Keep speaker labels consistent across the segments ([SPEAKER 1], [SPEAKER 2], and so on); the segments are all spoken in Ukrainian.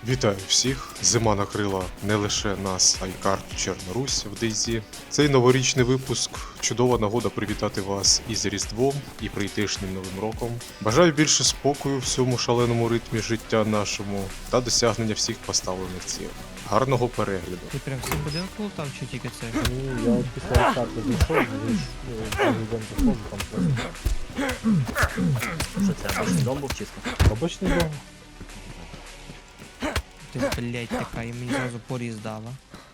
[SPEAKER 1] Вітаю всіх! Зима накрила не лише нас, а й карту Чорнорусь в DayZ. Цей новорічний випуск чудова нагода привітати вас із Різдвом і прийдешнім Новим роком. Бажаю більше спокою в цьому шаленому ритмі життя нашому та досягнення всіх поставлених цілей. Гарного перегляду!
[SPEAKER 2] Ти прям всім будинок лутав чи тільки це?
[SPEAKER 3] Ні, я після карти зайшов, президент зайшов, там просто
[SPEAKER 4] Що це, обичний дом був чисто?
[SPEAKER 3] обичний дом.
[SPEAKER 2] Ти, блядь, така, і мені зразу поріз дала.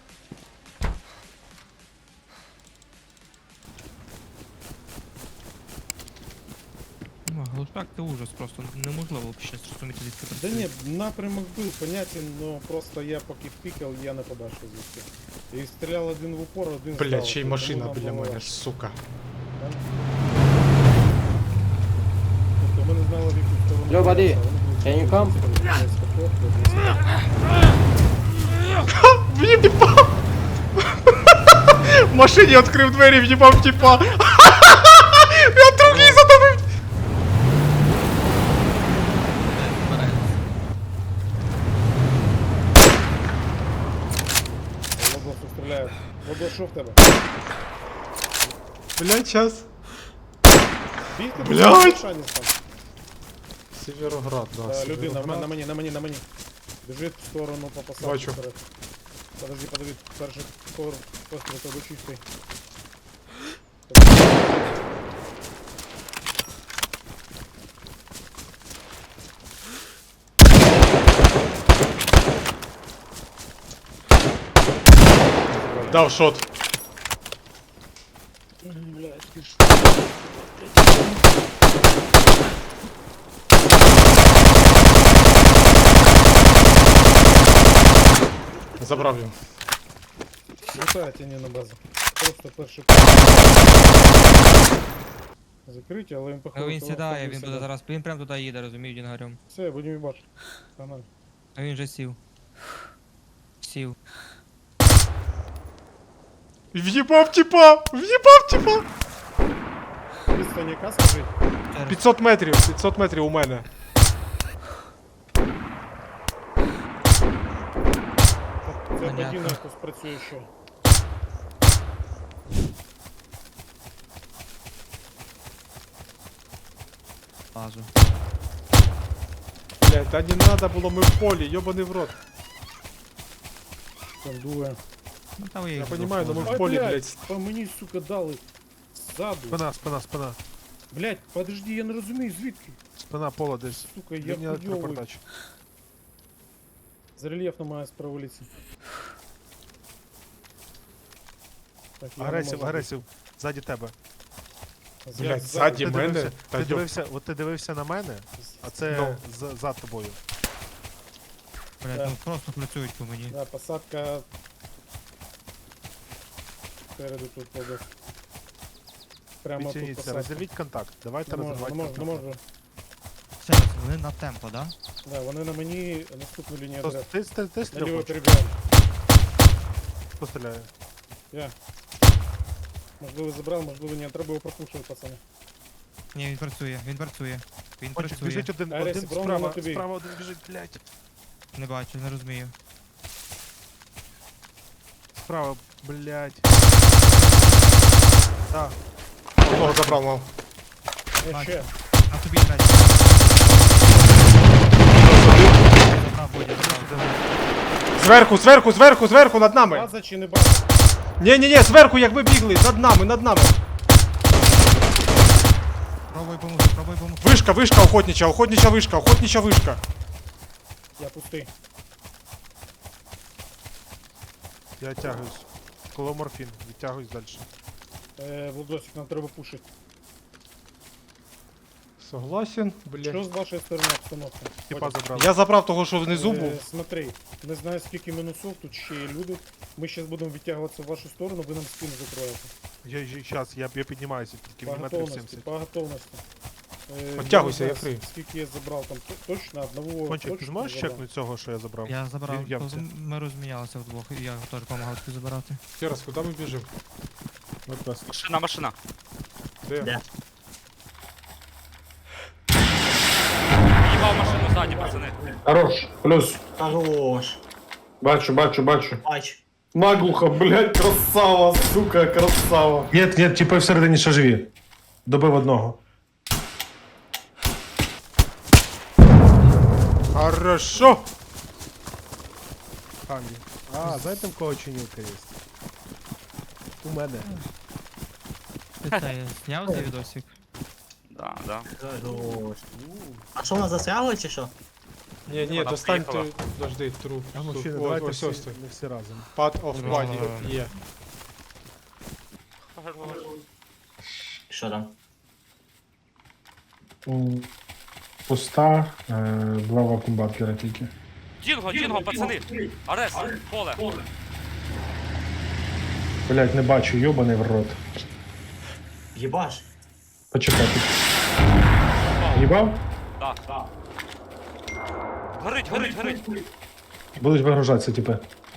[SPEAKER 2] Ну, глушак це ужас, просто неможливо взагалі зрозуміти, звідки
[SPEAKER 5] Да
[SPEAKER 2] працює.
[SPEAKER 5] ні, напрямок був понятен, но просто я поки впікав, я не побачив звідки. І стріляв один в упор, один
[SPEAKER 1] Блять,
[SPEAKER 5] здалеку,
[SPEAKER 1] ще й
[SPEAKER 5] тому
[SPEAKER 1] машина
[SPEAKER 5] нам
[SPEAKER 1] біля
[SPEAKER 5] було
[SPEAKER 1] мене,
[SPEAKER 5] важко.
[SPEAKER 1] сука.
[SPEAKER 5] Тобто ми не знали, в яку сторону.
[SPEAKER 3] Yo, buddy,
[SPEAKER 5] дивитися, вони були
[SPEAKER 3] can you come?
[SPEAKER 5] десь тако,
[SPEAKER 1] В'їбав! В машині відкрив двері, в'їбав тіпа! Я другий задавив!
[SPEAKER 5] Лоблосу стріляють. Лоблос, що в тебе?
[SPEAKER 1] Блять, час.
[SPEAKER 5] Бігти?
[SPEAKER 1] Блядь!
[SPEAKER 5] Шанець там.
[SPEAKER 1] Североград, да.
[SPEAKER 5] Людина, на мені. Біжить в сторону по посадку.
[SPEAKER 1] Бачу.
[SPEAKER 5] вперед. Подожди, перший постріл тебе чистий.
[SPEAKER 1] Дав шот. Забрав його.
[SPEAKER 5] Лутає тіні на базу. Просто перший закриті, але він походу.
[SPEAKER 2] Він сідає, він
[SPEAKER 5] сюди.
[SPEAKER 2] буде зараз, він прям туди їде, розумію, Дінгарем.
[SPEAKER 5] Все, будемо бачити. Погнали.
[SPEAKER 2] А він вже сів. Сів.
[SPEAKER 1] В'їбав тіпа! В'їбав тіпа!
[SPEAKER 5] Відстань яка, скажи?
[SPEAKER 1] 500 метрів у мене.
[SPEAKER 5] Це
[SPEAKER 2] Понятно.
[SPEAKER 5] подібно якось працює ще.
[SPEAKER 2] Базу.
[SPEAKER 1] Блять, та не надо було, ми в полі, йобаний в рот.
[SPEAKER 5] Там дує.
[SPEAKER 2] Ну там я
[SPEAKER 1] Я
[SPEAKER 2] їх
[SPEAKER 1] понімаю, но ми
[SPEAKER 2] двох
[SPEAKER 1] в полі,
[SPEAKER 5] блядь,
[SPEAKER 1] блять.
[SPEAKER 5] по мені, сука, дали. Ззаду.
[SPEAKER 6] Спина.
[SPEAKER 5] Блядь, подожди, я не розумію, звідки?
[SPEAKER 6] Спина пола десь.
[SPEAKER 5] Сука, я
[SPEAKER 6] Лінія
[SPEAKER 5] хуйовий.
[SPEAKER 6] електропередач.
[SPEAKER 5] З рельєфно має справа вулиці. Так, я не
[SPEAKER 6] Агресив,
[SPEAKER 5] можу.
[SPEAKER 6] агресив. Ззаді тебе.
[SPEAKER 1] Блять, ззаді
[SPEAKER 6] Ти
[SPEAKER 1] мене.
[SPEAKER 6] дивився,
[SPEAKER 1] Та
[SPEAKER 6] ти
[SPEAKER 1] йоб...
[SPEAKER 6] дивився, от ти дивився на мене, а це
[SPEAKER 1] Ну.
[SPEAKER 6] за тобою.
[SPEAKER 2] Блядь,
[SPEAKER 5] Да.
[SPEAKER 2] ну просто працюють по мені.
[SPEAKER 5] Да, посадка. Спереду тут побіг. Прямо тут
[SPEAKER 6] Відтягніться,
[SPEAKER 5] посадка.
[SPEAKER 6] розірвіть контакт. Давайте
[SPEAKER 5] Не можу,
[SPEAKER 6] розірвати
[SPEAKER 5] не можу, не
[SPEAKER 6] контакт.
[SPEAKER 5] можу.
[SPEAKER 2] Все, вони на темпо, да?
[SPEAKER 5] Да, вони на мені наступну лінію
[SPEAKER 6] Хто-
[SPEAKER 5] отряд.
[SPEAKER 6] Ти
[SPEAKER 5] Наліво
[SPEAKER 6] стріляв?
[SPEAKER 5] перебігаємо.
[SPEAKER 6] Хто стріляє?
[SPEAKER 5] Я. Можливо забрав, можливо ні. Треба його пропушувати, пацани.
[SPEAKER 2] Ні, він працює, він працює. Він
[SPEAKER 6] Кончик,
[SPEAKER 2] працює.
[SPEAKER 6] біжить один
[SPEAKER 5] Агресив, Рома,
[SPEAKER 6] справа,
[SPEAKER 5] на тобі.
[SPEAKER 6] справа один біжить, блядь.
[SPEAKER 2] Не бачу, не розумію.
[SPEAKER 6] Справа, блядь. Так,
[SPEAKER 1] Одного забрав, мав.
[SPEAKER 5] Я ще.
[SPEAKER 2] На тобі, блядь. Забрав, Бодя, забрав.
[SPEAKER 1] Зверху, над нами!
[SPEAKER 5] База чи не база?
[SPEAKER 1] Ні, зверху, як ви бігли, над нами.
[SPEAKER 2] Пробуй помогти, пробуй помогти.
[SPEAKER 1] Вишка, охотнича вишка.
[SPEAKER 5] Я пустий.
[SPEAKER 6] я тягуюсь. Коло морфін, відтягуюсь далі.
[SPEAKER 5] Владосик, нам треба пушити.
[SPEAKER 1] Согласен,
[SPEAKER 5] Що
[SPEAKER 1] блять.
[SPEAKER 5] з вашої сторони обстановка?
[SPEAKER 6] Типа
[SPEAKER 5] Ходять.
[SPEAKER 6] забрав.
[SPEAKER 1] Я забрав того, що внизу був.
[SPEAKER 5] Смотри, не знаю скільки мінусов, тут ще є люди. Ми зараз будемо відтягуватися в вашу сторону, ви нам спину закроєте.
[SPEAKER 6] Щас, я піднімаюся, тільки
[SPEAKER 5] По
[SPEAKER 6] в метрів
[SPEAKER 5] готовності,
[SPEAKER 6] 70.
[SPEAKER 5] по готовності.
[SPEAKER 1] Підтягуйся,
[SPEAKER 5] я
[SPEAKER 1] я
[SPEAKER 5] не
[SPEAKER 1] фрі.
[SPEAKER 5] знаю, скільки я забрав там, точно одного.
[SPEAKER 6] Кончик, ти
[SPEAKER 5] точно
[SPEAKER 6] зможеш
[SPEAKER 5] забрав.
[SPEAKER 6] чекнути цього, що я забрав?
[SPEAKER 2] Я забрав,
[SPEAKER 6] Він в ямці.
[SPEAKER 2] ми розмінялися вдвох, і я теж допомагав тобі забирати.
[SPEAKER 1] Ще раз, куди ми біжимо?
[SPEAKER 4] Машина.
[SPEAKER 1] Де?
[SPEAKER 4] Де? Їбав машину ззаді, пацани.
[SPEAKER 7] Хорош, плюс.
[SPEAKER 4] Хорош.
[SPEAKER 7] Бачу, бачу, бачу.
[SPEAKER 4] Бач.
[SPEAKER 7] Наглухо, блядь, красава, сука, красава.
[SPEAKER 6] Нет, нет, типи всередині ще живі. Добив одного.
[SPEAKER 1] Хорошо!
[SPEAKER 6] Анді. А, знаєте, в кого чинілка є? У мене.
[SPEAKER 2] Ти це зняв цей відосик?
[SPEAKER 8] Да, да.
[SPEAKER 4] Хорош. А що, вона застрягла чи що?
[SPEAKER 1] Ні, ні,
[SPEAKER 8] Вона
[SPEAKER 1] достань
[SPEAKER 8] приїхала.
[SPEAKER 1] ти, подожди, труп.
[SPEAKER 6] А мужчина,
[SPEAKER 1] Ось,
[SPEAKER 6] давайте
[SPEAKER 1] ось,
[SPEAKER 6] всі,
[SPEAKER 1] ось,
[SPEAKER 6] не всі разом.
[SPEAKER 1] Part of body є.
[SPEAKER 4] Що там?
[SPEAKER 7] Пуста, два вакуумбаткера тільки.
[SPEAKER 8] Дінго, пацани! Арес, поле!
[SPEAKER 7] Блядь, не бачу, йобаний в рот.
[SPEAKER 4] Єбаш.
[SPEAKER 7] Почекай. Їбав?
[SPEAKER 8] Так. Горить!
[SPEAKER 7] Будуть вигружатися, типи.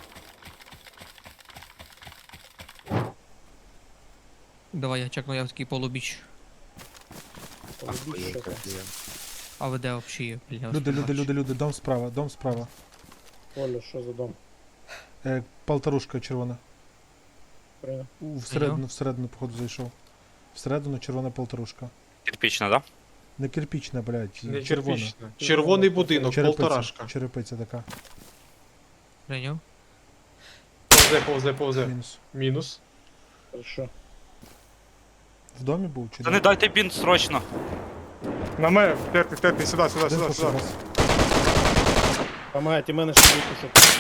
[SPEAKER 2] Давай я чекну, я в такий полубіч.
[SPEAKER 5] Полюбіть, що там.
[SPEAKER 2] А ви де вообще є? Блін, я вас
[SPEAKER 6] Люди,
[SPEAKER 2] не
[SPEAKER 6] люди,
[SPEAKER 2] бачу.
[SPEAKER 6] люди, люди, дом справа, дом справа.
[SPEAKER 5] Оля, що за дом?
[SPEAKER 6] Полторушка червона.
[SPEAKER 5] Прийняв.
[SPEAKER 6] Всередину, походу, зайшов. Всередину червона полторушка.
[SPEAKER 8] Кирпічна, да?
[SPEAKER 6] Не кирпічна, блядь,
[SPEAKER 1] Не
[SPEAKER 6] червона.
[SPEAKER 1] червічна. Червоний будинок, полторашка.
[SPEAKER 6] Черепиця така.
[SPEAKER 2] Прийняв?
[SPEAKER 1] Повзе.
[SPEAKER 6] Мінус.
[SPEAKER 1] Мінус.
[SPEAKER 5] Хорошо.
[SPEAKER 6] В домі був чи
[SPEAKER 8] Та не дайте бінт срочно.
[SPEAKER 1] На мене, терти, сюди.
[SPEAKER 6] Один пошел раз.
[SPEAKER 5] Помагайте мене, щоб випушити.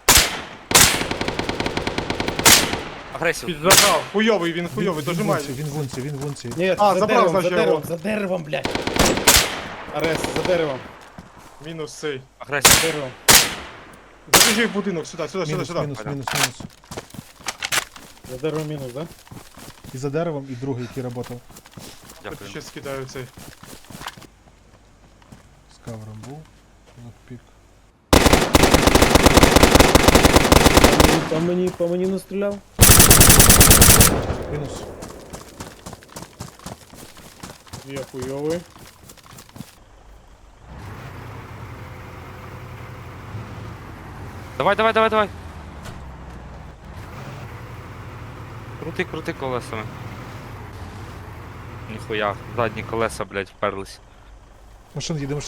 [SPEAKER 8] Агресів.
[SPEAKER 1] Підзажав. Хуйовий, він хуйовий, дожимай.
[SPEAKER 6] Він в унці.
[SPEAKER 5] Ні,
[SPEAKER 1] А,
[SPEAKER 5] за
[SPEAKER 1] забрав,
[SPEAKER 5] деревом,
[SPEAKER 1] значить,
[SPEAKER 5] за
[SPEAKER 1] я
[SPEAKER 5] деревом,
[SPEAKER 1] його.
[SPEAKER 5] за деревом, блядь. Арес, за деревом,
[SPEAKER 1] Мінус цей.
[SPEAKER 8] Агресів.
[SPEAKER 5] за деревом.
[SPEAKER 1] Забіжи в будинок, сюди.
[SPEAKER 6] Мінус.
[SPEAKER 5] За деревом мінус, да?
[SPEAKER 6] І за деревом, і другий, який працював.
[SPEAKER 8] Дякую.
[SPEAKER 1] Ще скидаю цей.
[SPEAKER 6] З кавером був. Локпік.
[SPEAKER 5] По мені настріляв.
[SPEAKER 6] Мінус.
[SPEAKER 5] Я хуйовий.
[SPEAKER 8] Давай. Крути колесами. Ніхуя, задні колеса, блядь, вперлись.
[SPEAKER 6] Машина їде.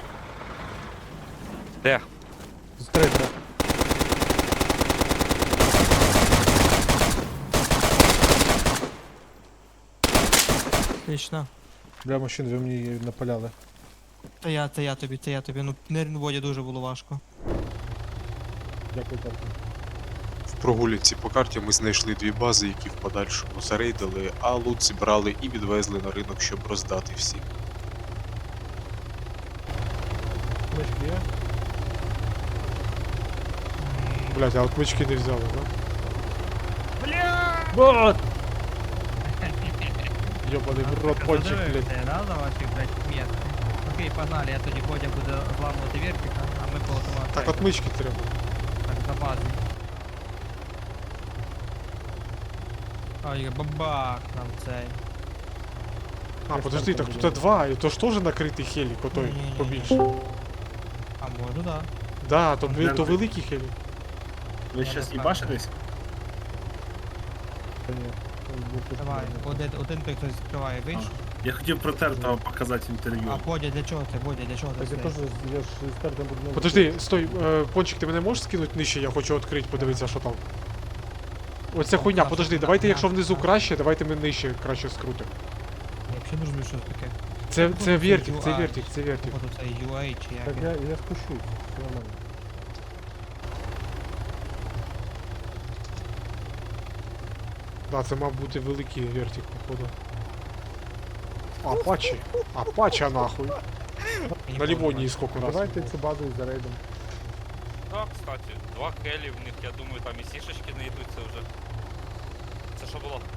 [SPEAKER 8] Де?
[SPEAKER 6] З трейдера.
[SPEAKER 2] Отлично.
[SPEAKER 6] Бля, машин, ви мені її напаляли.
[SPEAKER 2] Та я тобі. Ну, нервну воді дуже було важко.
[SPEAKER 6] Дякую, Тарко.
[SPEAKER 1] В прогулянці по карті ми знайшли дві бази, які в подальшому зарейдили, а лут зібрали і відвезли на ринок, щоб роздати всім.
[SPEAKER 6] Мишки є?
[SPEAKER 1] Блять, а от мички не взяли, да?
[SPEAKER 5] Вот!
[SPEAKER 1] Йобаний в рот пончик, блять.
[SPEAKER 2] Да, за ваших, блядь, метки. Окей, погнали, я тоді Бодя буде зламувати вертика, а ми по автомату.
[SPEAKER 1] Так от мички треба.
[SPEAKER 2] Так, за базу. Ой, бабах нам цей.
[SPEAKER 1] А, подожди, так тут два, і то ж теж накритий хелік, отой
[SPEAKER 2] Ні-ні-ні.
[SPEAKER 1] побільше.
[SPEAKER 2] А може, да.
[SPEAKER 1] Да, то великий хелік.
[SPEAKER 4] Ви
[SPEAKER 2] щас їбашитесь?
[SPEAKER 6] Та ні.
[SPEAKER 2] Давай, один той, хто відкриває, вийшов.
[SPEAKER 9] Я хотів протертого показати інтерв'ю.
[SPEAKER 2] А Бодя, для чого це? Бодя, для чого
[SPEAKER 6] Так
[SPEAKER 2] це?
[SPEAKER 6] я теж, я ж з картом буду...
[SPEAKER 1] Подожди, стой, пончик, ти мене можеш скинути нижче, я хочу відкрити, подивитися, що там. Оця хуйня, подожди, давайте, якщо внизу краще, давайте ми нижче краще скрутимо.
[SPEAKER 2] Я взагалі не розумію, що це таке.
[SPEAKER 1] Це вертик, це
[SPEAKER 2] UI.
[SPEAKER 1] вертик, це вертик.
[SPEAKER 2] Походу це UA чи
[SPEAKER 6] Так
[SPEAKER 2] як.
[SPEAKER 6] я спущусь, все нормально.
[SPEAKER 1] Да, це мав бути великий вертик, походу. Апача нахуй. На Лівонії сколько раз.
[SPEAKER 6] Давайте цю базу і зарейдом.
[SPEAKER 8] Так, кстати, 2 келі в них, я думаю, там і сішечки знайдуться вже. Це що було?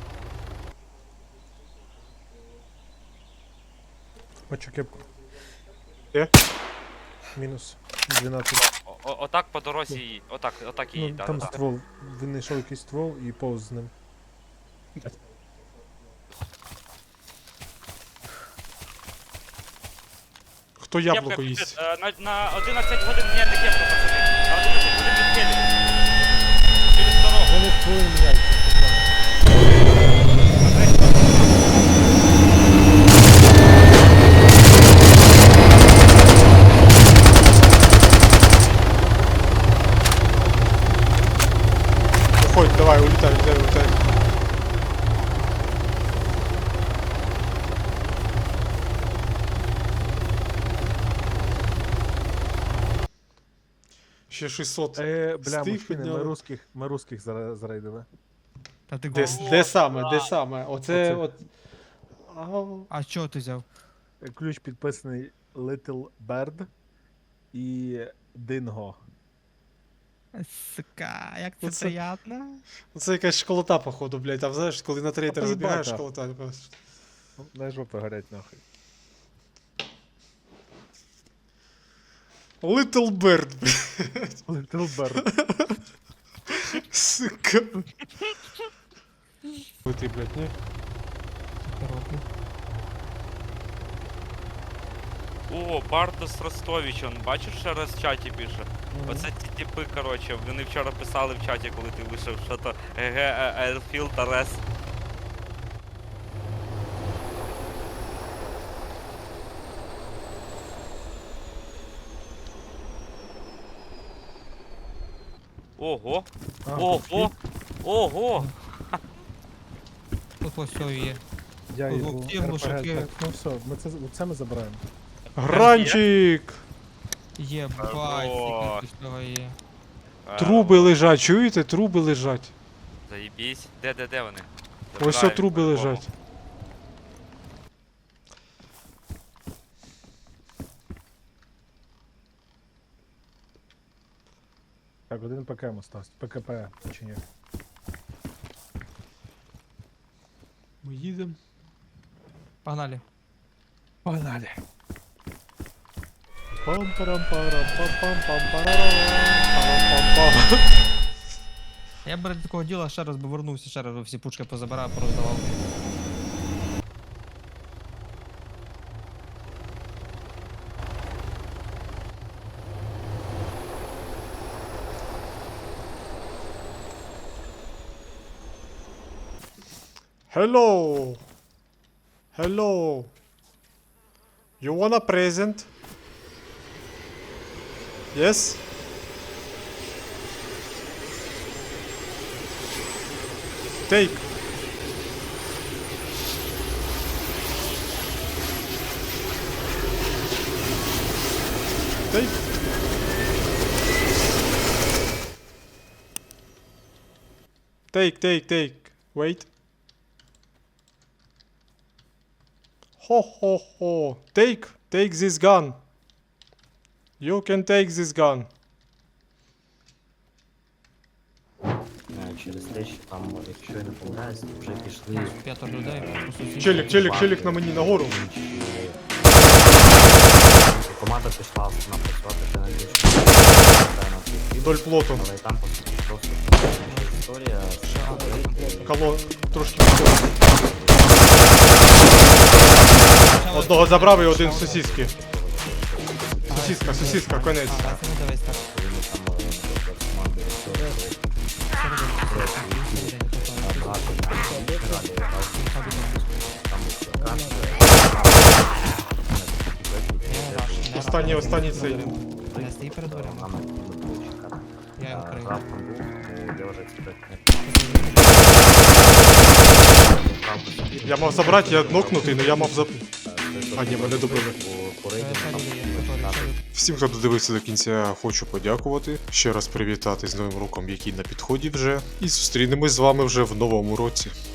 [SPEAKER 6] Бачу кепку.
[SPEAKER 1] Де?
[SPEAKER 6] Мінус. 12.
[SPEAKER 8] Отак по дорозі їй. Отак їй,
[SPEAKER 6] Ну,
[SPEAKER 8] да,
[SPEAKER 6] там
[SPEAKER 8] да.
[SPEAKER 6] ствол. Він знайшов якийсь ствол і повз з ним.
[SPEAKER 1] Хто яблуко їсть?
[SPEAKER 8] На 11 годин ні, не кепка, буде від келів. Через дорогу.
[SPEAKER 3] Вони твої яйця.
[SPEAKER 1] Уходь, давай, улетай, улетай, улетай. Ще 600.
[SPEAKER 6] Бля,
[SPEAKER 1] Стих
[SPEAKER 6] мужчини,
[SPEAKER 1] підняли.
[SPEAKER 6] ми русських зарейдили.
[SPEAKER 2] Та ти
[SPEAKER 1] Де,
[SPEAKER 2] гол.
[SPEAKER 1] де саме, де саме? Оце
[SPEAKER 6] Оце.
[SPEAKER 1] от. Ау.
[SPEAKER 2] А що ти взяв?
[SPEAKER 6] Ключ підписаний Little Bird і Dingo.
[SPEAKER 2] Сука, як це
[SPEAKER 1] Оце-
[SPEAKER 2] приятно.
[SPEAKER 1] Це якась школота, походу, блядь. Там знаєш, коли на трейтер
[SPEAKER 6] поїбать,
[SPEAKER 1] забігаєш,
[SPEAKER 6] так.
[SPEAKER 1] школота.
[SPEAKER 6] Ну, дай жопи горять нахуй.
[SPEAKER 1] Little Bird, блядь.
[SPEAKER 6] Little Bird.
[SPEAKER 1] Сука. Ти, блядь, ні?
[SPEAKER 2] Коробки.
[SPEAKER 8] О, Бардос Ростович, он бачиш, ще раз в чаті пише. Оце ті типи, коротше, вони вчора писали в чаті, коли ти вийшов, що то ГГ Airfield Арес. Ого!
[SPEAKER 6] А,
[SPEAKER 8] Ого! Ого!
[SPEAKER 2] Тут ось все є.
[SPEAKER 6] Я
[SPEAKER 2] Ого,
[SPEAKER 6] його
[SPEAKER 2] ті глушаки.
[SPEAKER 6] так, ну все, це ми забираємо.
[SPEAKER 1] Гранчик!
[SPEAKER 2] Єбать,
[SPEAKER 8] Хорош.
[SPEAKER 2] скільки цього є.
[SPEAKER 1] Труби лежать, чуєте? Труби лежать.
[SPEAKER 8] Заєбісь. Де вони?
[SPEAKER 1] Ось
[SPEAKER 8] Забираю,
[SPEAKER 1] труби
[SPEAKER 8] по-любому.
[SPEAKER 1] лежать.
[SPEAKER 6] Так, один ПКМ остався. ПКП, чи ні?
[SPEAKER 1] Ми їдемо.
[SPEAKER 2] Погнали.
[SPEAKER 6] Погнали.
[SPEAKER 1] Пам-парам-парам-пам-пам-парам-парам-пам-пам.
[SPEAKER 2] Я б ради такого діла ще раз би вернувся, ще раз би всі пучки позабирав, пороздавав.
[SPEAKER 1] Hello. Hello. You want a present? Yes? Take. Take. Take. Wait. Ho ho ho. Take this gun. You can take this gun.
[SPEAKER 4] Через те, що там, якщо я не помиляюсь, вже пішли
[SPEAKER 2] 5 людей, по суті.
[SPEAKER 1] Челік на мені нагору.
[SPEAKER 4] інші. Команда пішла напрацювати ще на більше на
[SPEAKER 1] Вдоль плоту.
[SPEAKER 4] але там по суті просто інша історія.
[SPEAKER 1] Кало трошки відходить. Одного забрав і один в сосиски. Сосиска, конець.
[SPEAKER 2] А, це не дивись так.
[SPEAKER 1] Останній цей.
[SPEAKER 2] Не стій перед дверима. Я його крию.
[SPEAKER 1] Я мав забрати, я нокнутий, але я мав заб... А, ні, мене добили.
[SPEAKER 2] Ще люди є, які ще
[SPEAKER 1] Всім, хто додивився до кінця, хочу подякувати. Ще раз привітати з Новим роком, який на підході вже. І зустрінемось з вами вже в новому році.